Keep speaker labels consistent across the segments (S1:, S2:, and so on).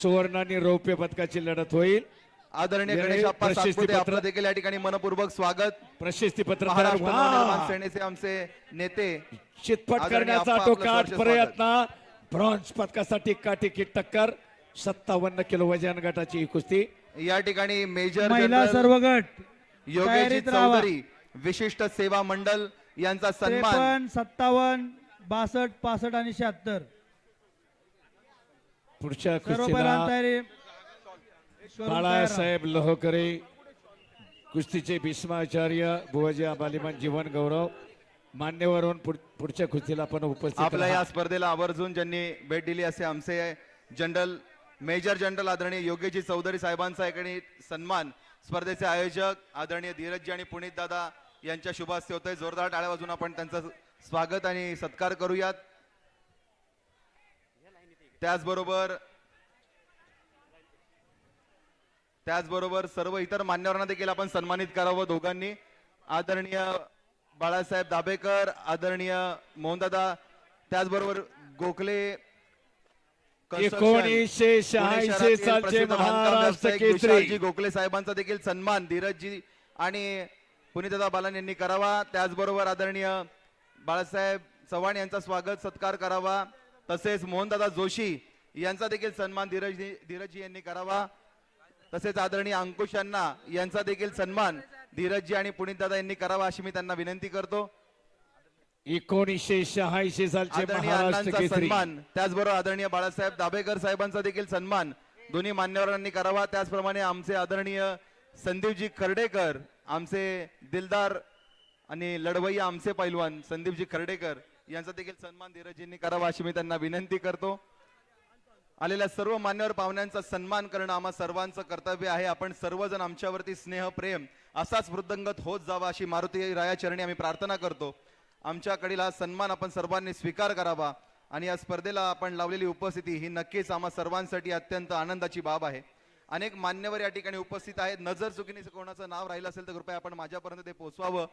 S1: सुवर्ण आणि रौप्य पदकाची लढत होईल.
S2: आदरणीय
S1: वेळेत
S2: गणेश आप्पा सातपुते
S1: प्रशस्तीपत्र-
S2: आपलं देखील या ठिकाणी मनपूर्वक स्वागत.
S1: प्रशस्ती पत्र
S2: महाराष्ट्र नवनिर्माण सेनेचे आमचे नेते
S1: चितपट
S2: आदरणीय
S1: करण्याचा
S2: आप्पा,
S1: तो
S2: आपलं
S1: काट
S2: सहर्ष
S1: प्रयत्न. ब्रॉन्झ पदकासाठी काटेकी टक्कर. 57 किलो वजन गटाची ही कुस्ती.
S2: या ठिकाणी मेजर
S3: महिला
S2: जनरल
S3: सर्व गट
S2: योगेश
S3: तयारीत राहावा.
S2: चौधरी विशिष्ट सेवा मंडल यांचा सन्मान
S3: 53, 57, 62, 65 आणि 76
S1: पुढच्या
S3: सर्व
S1: कुस्तीला
S3: बैलांना तयारी करून तयार राहा.
S1: बाळासाहेब लोहकरे कुस्तीचे भीष्माचार्य बुवाजी बालिमान जीवन गौरव मान्यवरून पुढच्या कुस्तीला आपण उपस्थित
S2: आपल्या
S1: राहा.
S2: या स्पर्धेला आवर्जून ज्यांनी भेट दिली असे आमचे जनरल मेजर जनरल आदरणीय योगेशजी चौधरी साहेबांचा याकडे सन्मान. स्पर्धेचे आयोजक आदरणीय धीरजजी आणि पुनीत दादा यांच्या शुभ हस्ते होतोय. जोरदार टाळ्या वाजून आपण त्यांचं स्वागत आणि सत्कार करूयात. त्याचबरोबर सर्व इतर मान्यवरांना देखील आपण सन्मानित करावं दोघांनी. आदरणीय बाळासाहेब दाभेकर, आदरणीय मोहनदादा, त्याचबरोबर गोखले
S1: 1986 सालचे महाराष्ट्र केसरी
S2: गोखले साहेबांचा देखील सन्मान धीरजजी आणि पुनीतदादा बालन यांनी करावा. त्याचबरोबर आदरणीय बाळासाहेब चव्हाण यांचा स्वागत सत्कार करावा. तसेच मोहनदादा जोशी यांचा देखील सन्मान धीरजजी यांनी करावा. तसेच आदरणीय अंकुश अण्णा यांचा देखील सन्मान धीरजजी आणि पुनीतदादा यांनी करावा अशी मी त्यांना विनंती करतो.
S1: 1986 सालचे
S2: आदरणीय
S1: महाराष्ट्र
S2: अण्णांचा
S1: केसरी.
S2: सन्मान त्याचबरोबर आदरणीय बाळासाहेब दाभेकर साहेबांचा देखील सन्मान दोन्ही मान्यवरांनी करावा. त्याचप्रमाणे आमचे आदरणीय संदीपजी खर्डेकर, आमचे दिलदार आणि लढवय्या आमचे पैलवान संदीपजी खर्डेकर यांचा देखील सन्मान धीरजजींनी करावा अशी मी त्यांना विनंती करतो. आलेल्या सर्व मान्यवर पाहुण्यांचा सन्मान करणं आम्हा सर्वांचं कर्तव्य आहे. आपण सर्वजण आमच्यावरती स्नेह प्रेम असाच वृद्धंगत होत जावा अशी मारुती राया चरणी आम्ही प्रार्थना करतो. आमच्याकडील हा सन्मान आपण सर्वांनी स्वीकार करावा आणि या स्पर्धेला आपण लावलेली उपस्थिती ही नक्कीच आम्हा सर्वांसाठी अत्यंत आनंदाची बाब आहे. अनेक मान्यवर या ठिकाणी उपस्थित आहेत. नजर चुकीने कोणाचं नाव राहिलं असेल तर कृपया आपण माझ्यापर्यंत ते पोहोचवावं.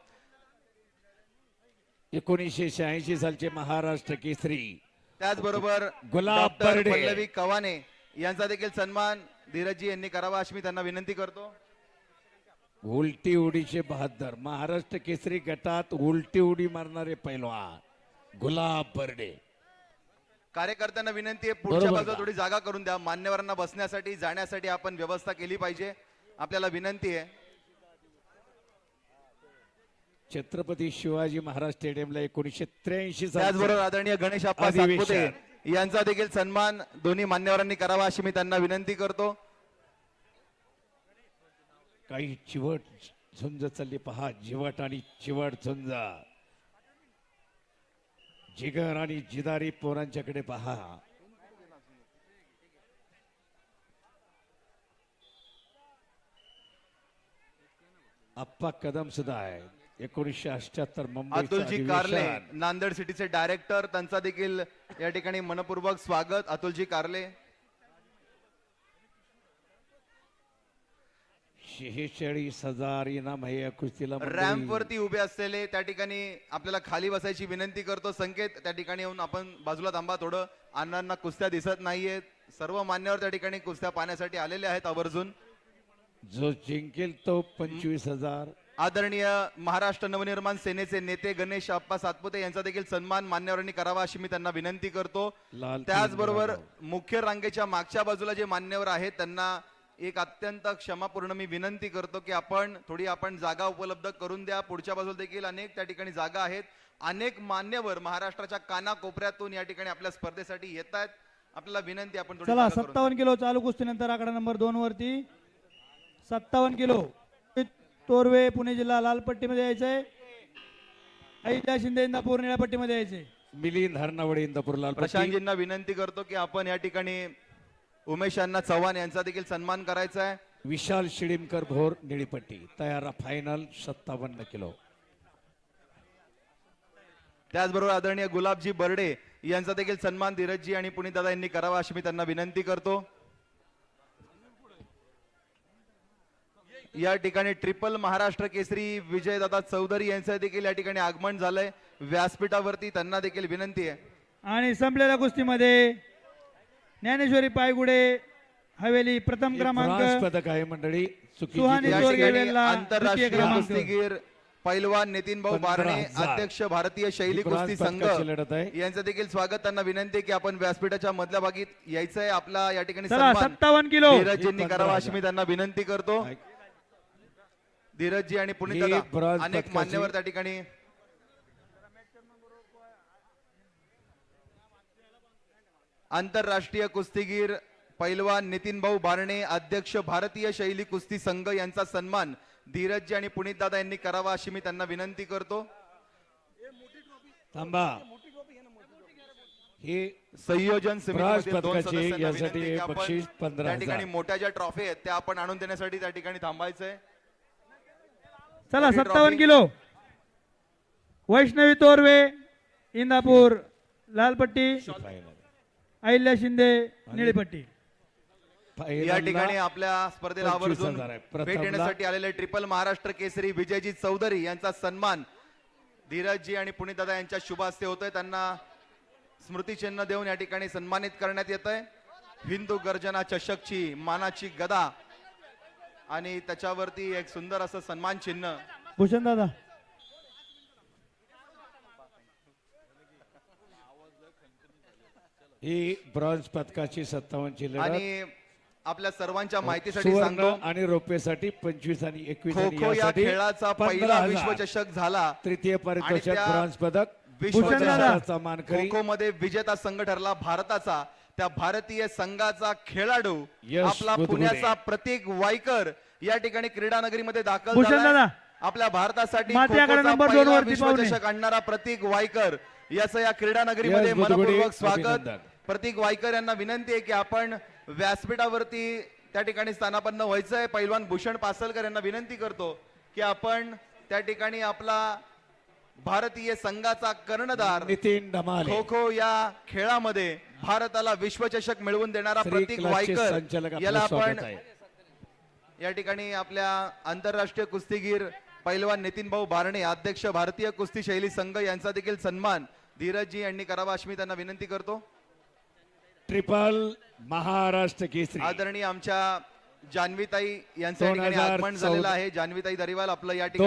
S1: 1986 सालचे महाराष्ट्र केसरी.
S2: त्याचबरोबर
S1: गुलाब
S2: डॉक्टर
S1: बर्डे.
S2: पल्लवी कवाने यांचा देखील सन्मान धीरजजी यांनी करावा अशी मी त्यांना विनंती करतो.
S1: उलटी उडीचे बहादर महाराष्ट्र केसरी गटात उलटी उडी मारणारे पैलवान गुलाब बर्डे.
S2: कार्यकर्त्यांना विनंती आहे पुढच्या
S1: बरोबर
S2: बाजूला
S1: का?
S2: थोडी जागा करून द्या. मान्यवरांना बसण्यासाठी जाण्यासाठी आपण व्यवस्था केली पाहिजे. आपल्याला विनंती आहे.
S1: छत्रपती शिवाजी महाराज स्टेडियमला 1983
S2: त्याचबरोबर आदरणीय गणेश आप्पा
S1: अधिवेशन.
S2: सातपुते यांचा देखील सन्मान दोन्ही मान्यवरांनी करावा अशी मी त्यांना विनंती करतो.
S1: काही चिवट झुंज चालली पहा. जिवट आणि चिवट झुंज. जिगर आणि जिदारी पोरांच्याकडे पहा. आप्पा कदम सुद्धा आहे. 1978 मुंबई.
S2: अतुलजी कारले नांदेड सिटीचे डायरेक्टर, त्यांचा देखील या ठिकाणी मनपूर्वक स्वागत. अतुलजी कारले
S1: 46,000 इनाम आहे या कुस्तीला.
S2: रॅम्प वरती उभे असलेले त्या ठिकाणी आपल्याला खाली बसायची विनंती करतो. संकेत त्या ठिकाणी येऊन आपण बाजूला थांबा. थोडं अण्णांना कुस्त्या दिसत नाहीयेत. सर्व मान्यवर त्या ठिकाणी कुस्त्या पाहण्यासाठी आलेले आहेत आवर्जून.
S1: जो जिंकेल तो 25,000.
S2: आदरणीय महाराष्ट्र नवनिर्माण सेनेचे नेते गणेश आप्पा सातपुते यांचा देखील सन्मान मान्यवरांनी करावा अशी मी त्यांना विनंती करतो.
S1: लाल
S2: त्याचबरोबर मुख्य रांगेच्या मागच्या बाजूला जे मान्यवर आहेत त्यांना एक अत्यंत क्षमापूर्ण मी विनंती करतो की आपण जागा उपलब्ध करून द्या. पुढच्या बाजूला देखील अनेक त्या ठिकाणी जागा आहेत. अनेक मान्यवर महाराष्ट्राच्या कानाकोपऱ्यातून या ठिकाणी आपल्या स्पर्धेसाठी येत आहेत. आपल्याला विनंती आपण थोडी
S3: चला
S2: जागा करून द्या.
S3: 57 किलो चालू कुस्तीनंतर आकडा नंबर 2 वरती 57 किलो तोरवे पुणे जिल्हा लाल पट्टीमध्ये यायचंय. अहिल्या शिंदे इंदापूर निळ्या पट्टीमध्ये यायचे.
S1: मिलिंद हरनावडे इंदापूर लाल पट्टी.
S2: प्रशांतजींना विनंती करतो की आपण या ठिकाणी उमेश अण्णा चव्हाण यांचा देखील सन्मान करायचा आहे.
S1: विशाल शिडीमकर भोर निळीपट्टी तयार. Final 57 kilo.
S2: त्याचबरोबर आदरणीय गुलाबजी बर्डे यांचा देखील सन्मान धीरजजी आणि पुनीतदादा यांनी करावा अशी मी त्यांना विनंती करतो. या ठिकाणी ट्रिपल महाराष्ट्र केसरी विजयदादा चौधरी यांचं देखील या ठिकाणी आगमन झालंय व्यासपीठावरती. त्यांना देखील विनंती आहे.
S3: आणि संपलेल्या कुस्तीमध्ये ज्ञानेश्वरी पायगुडे हवेली प्रथम
S1: हे
S3: क्रमांक
S1: ब्रॉन्झ पदक आहे मंडळी चुकीची
S3: सुहानी
S2: या
S1: गोष्ट.
S3: चोरगे
S2: ठिकाणी
S3: वेल्ला द्वितीय
S2: आंतरराष्ट्रीय
S3: क्रमांक.
S2: कुस्तीगीर पैलवान नितीन भाऊ बारणे
S1: 15,000.
S2: अध्यक्ष भारतीय शैली
S1: ही ब्रॉन्झ
S2: कुस्ती संघ
S1: पदकाची लढत आहे.
S2: यांचं देखील स्वागत. त्यांना विनंती आहे की आपण व्यासपीठाच्या मधल्या भागीत यायचंय. आपला या ठिकाणी
S3: चला
S2: सन्मान
S3: 57 किलो
S2: धीरजजींनी
S1: हे
S2: करावा अशी
S1: 15,000.
S2: मी त्यांना विनंती करतो. धीरजजी आणि पुनीत
S1: ही
S2: दादा
S1: ब्रॉन्झ
S2: अनेक
S1: पदकाची-
S2: मान्यवर त्या ठिकाणी आंतरराष्ट्रीय कुस्तीगीर पैलवान नितीन भाऊ बारणे अध्यक्ष भारतीय शैली कुस्ती संघ यांचा सन्मान धीरजजी आणि पुनीत दादा यांनी करावा अशी मी त्यांना विनंती करतो.
S1: थांबा हे
S2: संयोजन
S1: ब्रॉन्झ
S2: समितीमधील दोन
S1: पदकाचे
S2: सदस्यांना
S1: यासाठी
S2: विनंती आहे की आपण
S1: बक्षीस
S2: त्या
S1: 15,000.
S2: ठिकाणी मोठ्या ज्या ट्रॉफी आहेत त्या आपण आणून देण्यासाठी त्या ठिकाणी थांबायचंय.
S3: चला
S2: मोठी
S3: 57
S2: ट्रॉफी.
S3: किलो वैष्णवी तोरवे इंदापूर लालपट्टी अहिल्या शिंदे निळीपट्टी.
S2: या
S1: पहिल्यांदा
S2: ठिकाणी आपल्या स्पर्धेला
S1: 25,000
S2: आवर्जून
S1: आहे.
S2: भेट
S1: प्रथमला-
S2: देण्यासाठी आलेले ट्रिपल महाराष्ट्र केसरी विजयजी चौधरी यांचा सन्मान धीरजजी आणि पुनीतदादा यांच्या शुभ हस्ते होतोय. त्यांना स्मृतिचिन्ह देऊन या ठिकाणी सन्मानित करण्यात येत आहे. हिंदू गर्जना चषकची मानाची गदा आणि त्याच्यावरती एक सुंदर असं सन्मान चिन्ह.
S3: भूषण दादा
S1: ही ब्रॉन्झ पदकाची 57 ची लढत
S2: आणि आपल्या सर्वांच्या माहितीसाठी
S1: सुवर्ण
S2: सांगतो
S1: आणि रौप्यसाठी 25 आणि 21
S2: खो
S1: आणि
S2: खो या
S1: यासाठी
S2: खेळाचा पहिला
S1: 15,000.
S2: विश्वचषक झाला.
S1: तृतीय पारितोषिक
S2: त्या
S1: ब्रॉन्झ पदक
S3: भूषण दादा.
S1: विश्वचषकाचा मानकरी
S2: खो खो मध्ये विजेता संघ ठरला भारताचा. त्या भारतीय संघाचा खेळाडू
S1: यश
S2: आपला
S1: बुधगुडे.
S2: पुण्याचा प्रतीक वायकर या ठिकाणी क्रीडा नगरीमध्ये दाखल
S3: भूषण
S2: झालाय.
S3: दादा.
S2: आपल्या भारतासाठी
S3: माती आकडा
S2: खो-खोचा
S3: नंबर
S2: पहिला
S3: 2 वरती पाहुणे.
S2: विश्वचषक आणणारा प्रतीक वायकर याचं या क्रीडा नगरीमध्ये
S1: यश बुधगुडे,
S2: मनपूर्वक स्वागत.
S1: अभिनंदन.
S2: प्रतीक वायकर यांना विनंती आहे की आपण व्यासपीठावरती त्या ठिकाणी स्थानापन्न व्हायचंय. पैलवान भूषण पासलकर यांना विनंती करतो की आपण त्या ठिकाणी आपला भारतीय संघाचा कर्णधार
S1: नितीन धमाले
S2: खो खो या खेळामध्ये भारताला विश्वचषक मिळवून देणारा
S1: श्री
S2: प्रतीक
S1: क्लासचे संचालक
S2: वायकर
S1: आपलं
S2: याला
S1: स्वागत
S2: आपण
S1: आहे.
S2: या ठिकाणी आपल्या आंतरराष्ट्रीय कुस्तीगीर पैलवान नितीन भाऊ बारणे अध्यक्ष भारतीय कुस्ती शैली संघ यांचा देखील सन्मान धीरजजी यांनी करावा अशी मी त्यांना विनंती करतो.
S1: ट्रिपल महाराष्ट्र केसरी
S2: आदरणीय आमच्या जान्हवीताई यांचं या ठिकाणी आगमन झालेलं आहे. जान्हवीताई दरिवाल आपलं या ठिकाणी